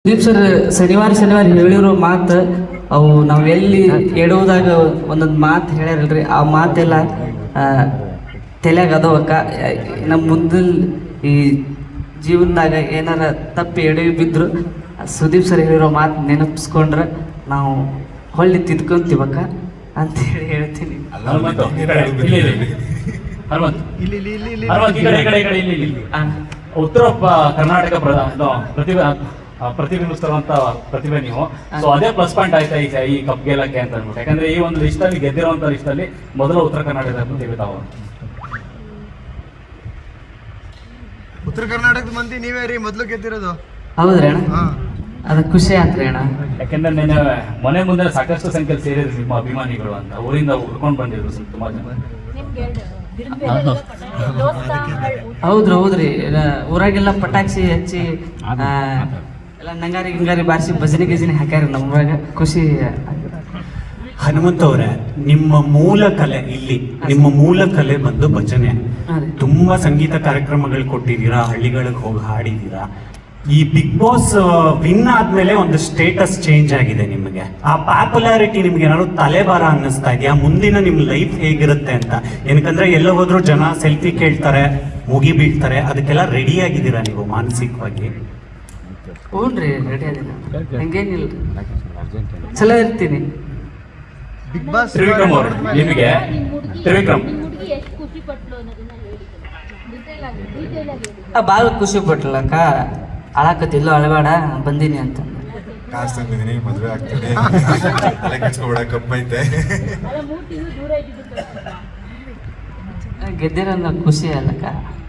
Sudeep sir ಶನಿವಾರ ಹೇಳಿರೋ ಮಾತು ಅವು ನಾವು ಎಲ್ಲಿ ಎಡುವುದಾಗ ಒಂದೊಂದು ಮಾತು ಹೇಳ್ಯಾರಲ್ರಿ, ಆ ಮಾತೆಲ್ಲ ತಲೆಯಾಗ ಅದಾವಕ್ಕ. ನಮ್ಮ ಮುಂದಿನ ಈ ಜೀವನದಾಗ ಏನಾರ ತಪ್ಪಿ ಎಡವಿ ಬಿದ್ರು ಸುದೀಪ್ ಸರ್ ಹೇಳಿರೋ ಮಾತು ನೆನಪಿಸ್ಕೊಂಡ್ರೆ ನಾವು ಹೊಳ್ಳಿ ತಿದ್ಕೊಂತೀವಕ್ಕ ಅಂತೇಳಿ ಹೇಳ್ತೀನಿ. ಉತ್ತರ ಕರ್ನಾಟಕ ಪ್ರತಿಬಿಂಬಿಸ್ತಿರುವಂತ ಪ್ರತಿಭೆ ನೀವು. ಸೊ ಅದೇ ಪ್ಲಸ್ ಪಾಯಿಂಟ್ ಆಯ್ತಾ ಈ ಕಪ್ ಗೆಲ್ಲಕ್ಕೆ ಅಂತ ಅಂದ್ಬಿಟ್ಟು. ಯಾಕಂದ್ರೆ ಈ ಒಂದು ಲಿಸ್ಟ್ ಅಲ್ಲಿ ಗೆದ್ದಿರುವಂತ ಲಿಸ್ಟ್ ಅಲ್ಲಿ ಮೊದಲ ಉತ್ತರ ಕರ್ನಾಟಕದ ಪ್ರತಿಭೆ ತಾವು. ಉತ್ತರ ಕರ್ನಾಟಕದ ಮಂದಿ ನೀವೇ ರೀ ಮೊದಲು ಗೆದ್ದಿರೋದು. ಹೌದ್ರಿ ಅಣ್ಣ, ಅದು ಖುಷಿ ಆತ್ರಿ ಅಣ್ಣ. ಯಾಕಂದ್ರೆ ನೆನ್ನೆ ಮನೆ ಮುಂದೆ ಸಾಕಷ್ಟು ಸಂಖ್ಯೆಯಲ್ಲಿ ಸೇರಿದ್ರು ನಿಮ್ಮ ಅಭಿಮಾನಿಗಳು ಅಂತ, ಊರಿಂದ ಉಳ್ಕೊಂಡು ಬಂದಿದ್ರು ತುಂಬಾ ಜನ. ಹೌದ್ರಿ ಊರಾಗೆಲ್ಲ ಪಟಾಕ್ಷಿ ಹಚ್ಚಿ ಎಲ್ಲ ನಂಗಾರಿ ಗಿಂಗಾರಿ ಬಾರಿಸಿ ಭಜನೆ ಗಿಜನೆ ಹಾಕ್ಯಾರ. ನಮ್ಮೂರಾಗ ಖುಷಿ. ಹನುಮಂತ ಅವರೇ, ನಿಮ್ಮ ಮೂಲ ಕಲೆ ಇಲ್ಲಿ, ನಿಮ್ಮ ಮೂಲ ಕಲೆ ಬಂದು ಭಜನೆ. ತುಂಬಾ ಸಂಗೀತ ಕಾರ್ಯಕ್ರಮಗಳು ಕೊಟ್ಟಿದ್ದೀರಾ, ಹಳ್ಳಿಗಳಿಗೆ ಹೋಗಿ ಹಾಡಿದ್ದೀರಾ. ಈ ಬಿಗ್ ಬಾಸ್ ವಿನ್ ಆದ್ಮೇಲೆ ಒಂದು ಸ್ಟೇಟಸ್ ಚೇಂಜ್ ಆಗಿದೆ ನಿಮಗೆ. ಆ ಪಾಪ್ಯುಲಾರಿಟಿ ನಿಮ್ಗೆ ಏನಾದ್ರು ತಲೆಬಾರ ಅನ್ನಿಸ್ತಾ ಇದೆಯಾ? ಮುಂದಿನ ನಿಮ್ ಲೈಫ್ ಹೇಗಿರುತ್ತೆ ಅಂತ. ಏನಕ್ಕಂದ್ರೆ ಎಲ್ಲ ಹೋದ್ರು ಜನ ಸೆಲ್ಫಿ ಕೇಳ್ತಾರೆ, ಮುಗಿ ಬೀಳ್ತಾರೆ. ಅದಕ್ಕೆಲ್ಲ ರೆಡಿ ಆಗಿದ್ದೀರಾ ನೀವು ಮಾನಸಿಕವಾಗಿ? ಹ್ಞೂನ್ರಿ, ರೆಡಿ ಆಗಿದ್ದೀನಿ, ಹಂಗೇನಿಲ್ಲ, ಚಲೋ ಇರ್ತೀನಿ. ಬಿಗ್ ಬಾಸ್ ತ್ರಿವಿಕ್ರಮ್ ಅವರು, ನಿಮಗೆ ತ್ರಿವಿಕ್ರಮ್ ಭಾಳ ಖುಷಿ ಪಟ್ಲಕ್ಕ. ಅಳಕತ್ತಿಲ್ಲ, ಅಳಬೇಡ ಬಂದೀನಿ ಅಂತ. ಕಾಸು ತಂದಿದ್ದೀನಿ, ಮದುವೆ ಆಗ್ತದೆ, ತಲೆ ಕೆಡ್ಸ್ಕೊಬೇಡ, ಕಪ್ಪೈತೆ. ಗೆದ್ದಿರೋ ಖುಷಿ ಅಲ್ಲಕ್ಕ.